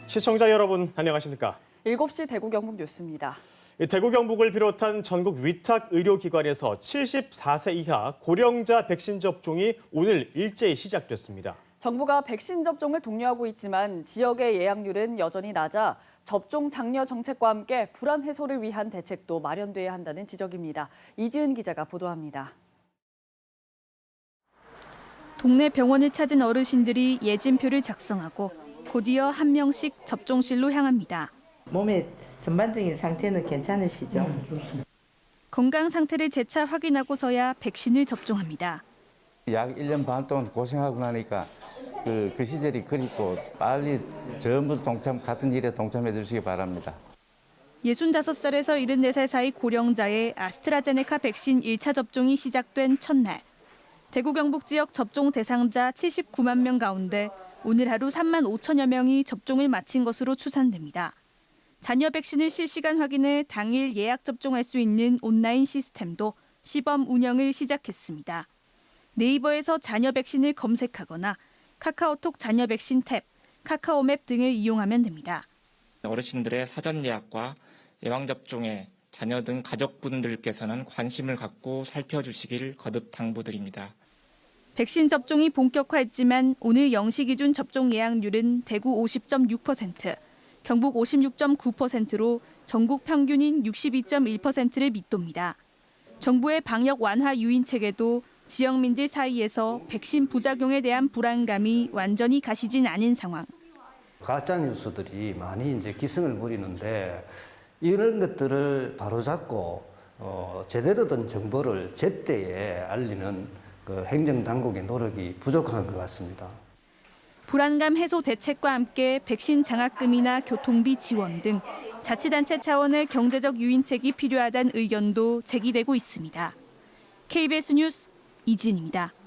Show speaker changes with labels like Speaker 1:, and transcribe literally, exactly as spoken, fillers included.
Speaker 1: 시청자 여러분 안녕하십니까?
Speaker 2: 일곱 시 대구 경북 뉴스입니다.
Speaker 1: 대구 경북을 비롯한 전국 위탁 의료기관에서 칠십사 세 이하 고령자 백신 접종이 오늘 일제히 시작됐습니다.
Speaker 2: 정부가 백신 접종을 독려하고 있지만 지역의 예약률은 여전히 낮아 접종 장려 정책과 함께 불안 해소를 위한 대책도 마련돼야 한다는 지적입니다. 이지은 기자가 보도합니다.
Speaker 3: 동네 병원을 찾은 어르신들이 예진표를 작성하고 곧이어 한 명씩 접종실로 향합니다.
Speaker 4: 몸의 전반적인 상태는 괜찮으시죠?
Speaker 3: 건강 상태를 재차 확인하고서야 백신을 접종합니다.
Speaker 5: 약 일 년 반 동안 고생하고 나니까 그, 그 시절이 그립고 빨리 전부 동참, 같은 일에 동참해 주시기 바랍니다.
Speaker 3: 예순다섯 살에서 일흔네 살 사이 고령자의 아스트라제네카 백신 일 차 접종이 시작된 첫날. 대구 경북 지역 접종 대상자 칠십구만 명 가운데 오늘 하루 삼만 오천여 명이 접종을 마친 것으로 추산됩니다. 잔여 백신을 실시간 확인해 당일 예약 접종할 수 있는 온라인 시스템도 시범 운영을 시작했습니다. 네이버에서 잔여 백신을 검색하거나 카카오톡 잔여 백신 탭, 카카오맵 등을 이용하면 됩니다.
Speaker 6: 어르신들의 사전 예약과 예방접종에 자녀 등 가족분들께서는 관심을 갖고 살펴주시길 거듭 당부드립니다.
Speaker 3: 백신 접종이 본격화했지만 오늘 영 시 기준 접종 예약률은 대구 오십 점 육 퍼센트, 경북 오십육 점 구 퍼센트로 전국 평균인 육십이 점 일 퍼센트를 밑돕니다. 정부의 방역 완화 유인책에도 지역민들 사이에서 백신 부작용에 대한 불안감이 완전히 가시진 않은 상황.
Speaker 7: 가짜 뉴스들이 많이 이제 기승을 부리는데 이런 것들을 바로잡고 어, 제대로 된 정보를 제때에 알리는 그 행정당국의 노력이 부족한 것 같습니다.
Speaker 3: 불안감 해소 대책과 함께 백신 장학금이나 교통비 지원 등 자치단체 차원의 경제적 유인책이 필요하다는 의견도 제기되고 있습니다. 케이비에스 뉴스 이진입니다.